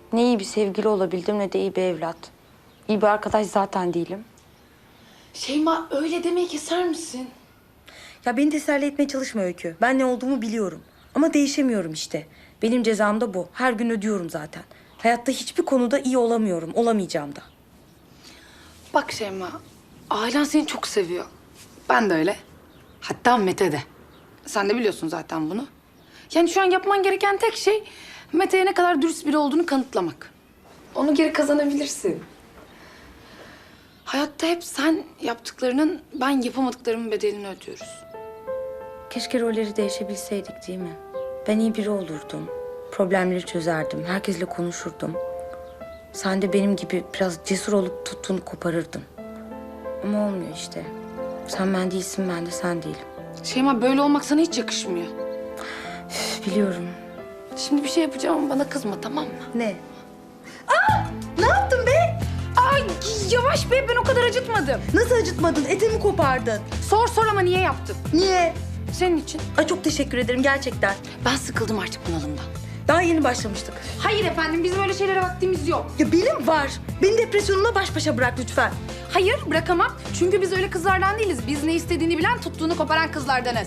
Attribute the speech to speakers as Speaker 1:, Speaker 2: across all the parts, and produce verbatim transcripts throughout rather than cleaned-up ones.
Speaker 1: Ne iyi bir sevgili olabildim ne de iyi bir evlat. İyi bir arkadaş zaten değilim.
Speaker 2: Şeyma öyle demeyi keser misin?
Speaker 1: Ya beni teselli etmeye çalışma Öykü. Ben ne olduğumu biliyorum. Ama değişemiyorum işte. Benim cezam da bu. Her gün ödüyorum zaten. Hayatta hiçbir konuda iyi olamıyorum. Olamayacağım da.
Speaker 2: Bak Şeyma, ailen seni çok seviyor. Ben de öyle. Hatta Mete de. Sen de biliyorsun zaten bunu. Yani şu an yapman gereken tek şey Mete'ye ne kadar dürüst biri olduğunu kanıtlamak. Onu geri kazanabilirsin. Hayatta hep sen yaptıklarının, ben yapamadıklarımın bedelini ödüyoruz.
Speaker 1: Keşke rolleri değişebilseydik değil mi? Ben iyi biri olurdum. Problemleri çözerdim. Herkesle konuşurdum. Sen de benim gibi biraz cesur olup tuttuğunu koparırdın. Ama olmuyor işte. Sen ben değilsin, ben de sen değilim.
Speaker 2: Şeyma böyle olmak sana hiç yakışmıyor.
Speaker 1: Üf, biliyorum.
Speaker 2: Şimdi bir şey yapacağım ama bana kızma, tamam mı?
Speaker 1: Ne? Aa! Ne yaptın be?
Speaker 2: Ay yavaş be, ben o kadar acıtmadım.
Speaker 1: Nasıl acıtmadın? Etimi kopardın.
Speaker 2: Sor sor ama niye yaptın?
Speaker 1: Niye?
Speaker 2: Senin için.
Speaker 1: Ay çok teşekkür ederim gerçekten.
Speaker 2: Ben sıkıldım artık bunalımdan.
Speaker 1: Daha yeni başlamıştık.
Speaker 2: Hayır efendim, bizim öyle şeylere vaktimiz yok.
Speaker 1: Ya benim var. Beni depresyonumla baş başa bırak lütfen.
Speaker 2: Hayır, bırakamam. Çünkü biz öyle kızlardan değiliz. Biz ne istediğini bilen, tuttuğunu koparan kızlardanız.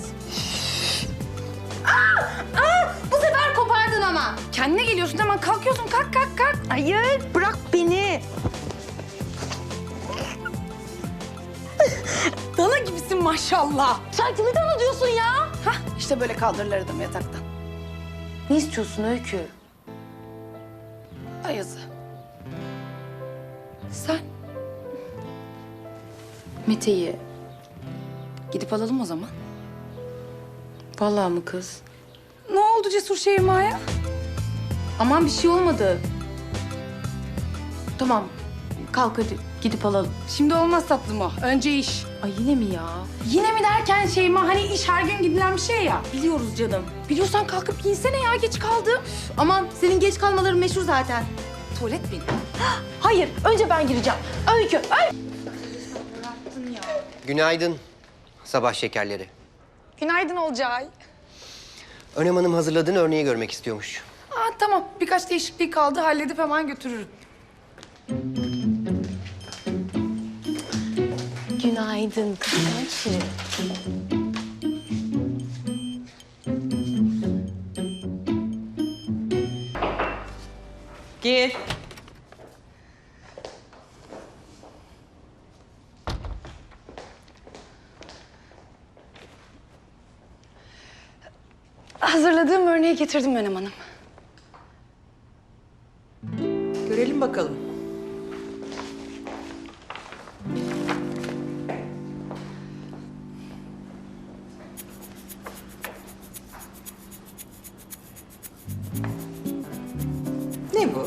Speaker 2: Aa! Aa! Bu sefer kopardın ama. Kendine geliyorsun, hemen kalkıyorsun. Kalk, kalk, kalk.
Speaker 1: Hayır, bırak beni.
Speaker 2: Dana gibisin maşallah.
Speaker 1: Sen kimi dana diyorsun ya?
Speaker 2: Hah, işte böyle kaldırırlar adamı yataktan.
Speaker 1: Ne istiyorsun Öykü?
Speaker 2: Ayazı. Sen? Mete'yi gidip alalım o zaman.
Speaker 1: Vallahi mı kız?
Speaker 2: Ne oldu Cesur Şeyma'ya?
Speaker 1: Aman bir şey olmadı. Tamam, kalk hadi gidip alalım.
Speaker 2: Şimdi olmaz tatlım o. Önce iş.
Speaker 1: Ay yine mi ya?
Speaker 2: Yine mi derken Şeyma, hani iş her gün gidilen bir şey ya.
Speaker 1: Biliyoruz canım.
Speaker 2: Biliyorsan kalkıp giyinsene ya, geç kaldım.
Speaker 1: Aman senin geç kalmaların meşhur zaten.
Speaker 2: Tuvalet benim.
Speaker 1: Hayır, önce ben gireceğim. Öykü, Öykü.
Speaker 3: Günaydın sabah şekerleri.
Speaker 2: Günaydın Olcay.
Speaker 3: Önem Hanım hazırladığın örneği görmek istiyormuş.
Speaker 2: Aa, tamam, birkaç değişiklik kaldı, halledip hemen götürürüm.
Speaker 1: Günaydın kızım.
Speaker 4: Gir.
Speaker 2: Hazırladığım örneği getirdim Önem Hanım.
Speaker 4: Görelim bakalım. Ne bu?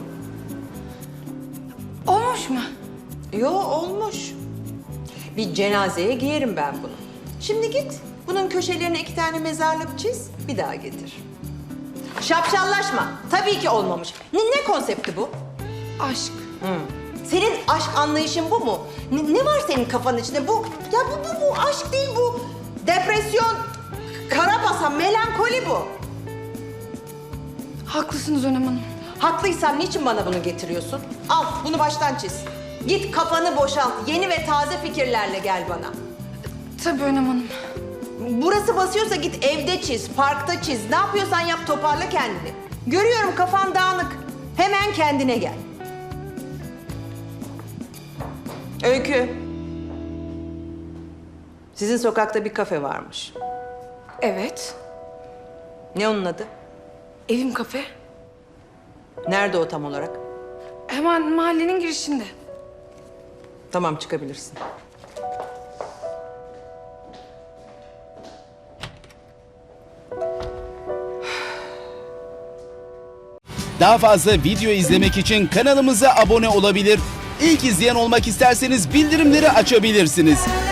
Speaker 2: Olmuş mu?
Speaker 4: Yo, olmuş. Bir cenazeye giyerim ben bunu. Şimdi git, bunun köşelerine iki tane mezarlık çiz, bir daha getir. Şapşallaşma. Tabii ki olmamış. Ne, ne konsepti bu?
Speaker 2: Aşk.
Speaker 4: Senin aşk anlayışın bu mu? Ne, ne var senin kafanın içinde? Bu, ya bu, bu, bu aşk değil bu. Depresyon, karabasan, melankoli bu.
Speaker 2: Haklısınız Önem Hanım.
Speaker 4: Haklıysam niçin bana bunu getiriyorsun? Al, bunu baştan çiz. Git kafanı boşalt, yeni ve taze fikirlerle gel bana.
Speaker 2: Tabii Önem Hanım.
Speaker 4: Burası basıyorsa git evde çiz, parkta çiz. Ne yapıyorsan yap, toparla kendini. Görüyorum kafan dağınık. Hemen kendine gel. Öykü. Sizin sokakta bir kafe varmış.
Speaker 2: Evet.
Speaker 4: Ne onun adı?
Speaker 2: Evim kafe.
Speaker 4: Nerede o tam olarak?
Speaker 2: Hemen mahallenin girişinde.
Speaker 4: Tamam, çıkabilirsin.
Speaker 5: Daha fazla video izlemek için kanalımıza abone olabilir. İlk izleyen olmak isterseniz bildirimleri açabilirsiniz.